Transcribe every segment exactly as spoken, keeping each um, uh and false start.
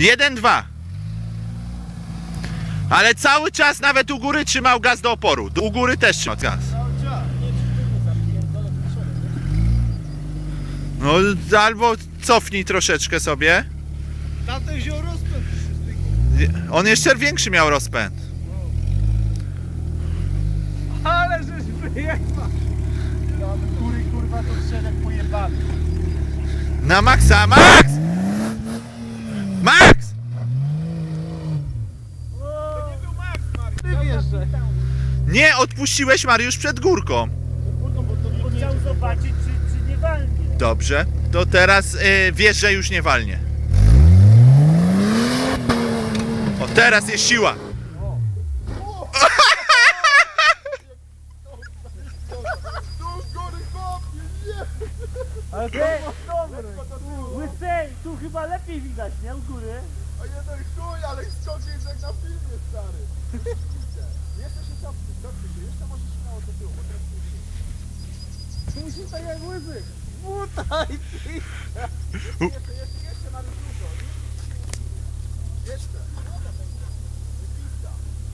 jeden dwa. Ale cały czas nawet u góry trzymał gaz do oporu. U góry też trzymał gaz. No albo cofnij troszeczkę sobie. Tamten wziął rozpęd. On jeszcze większy miał rozpęd. Ale żeś wyjechał. Kury kurwa to strzelek pojebany. Na maksa, Max! Max! To nie był Max, Mariusz. Ty wiesz, że... Nie, odpuściłeś Mariusz przed górką. Bo chciał zobaczyć, czy, czy nie walnie. Dobrze, to teraz y, wiesz, że już nie walnie. O, teraz jest siła. Ale to jest dobry. Łysej, tu chyba lepiej widać, nie? U góry. A jeden chuj, ale ściągnie jak na filmie, stary. Jeszcze się cofnij, cofnij się, jeszcze możesz śmiało do tyłu, bo teraz nie się. Musi tak jak łyzy. Butaj ty. Jeszcze, jeszcze, jeszcze, jeszcze mamy dużo. Jeszcze. Wypista.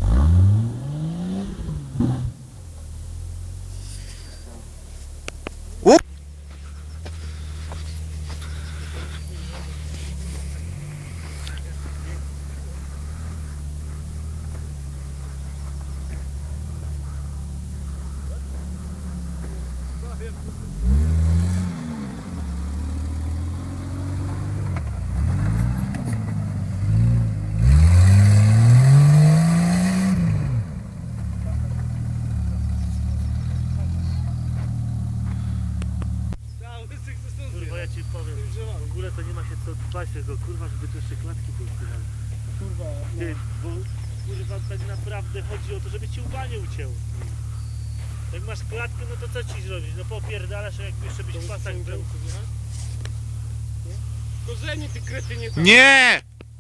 Kurwa, ja ci powiem, w ogóle to nie ma się co dbać tego, kurwa, żeby tu jeszcze klatki były wpływane. Kurwa, Ty, bo kurwa tak naprawdę chodzi o to, żeby ci łba nie ucięło. Jak masz klatkę, no to co ci zrobić? No popierdalasz, a jak jeszcze byś w pasach był. Korzenie ty krety nie tam. Nie!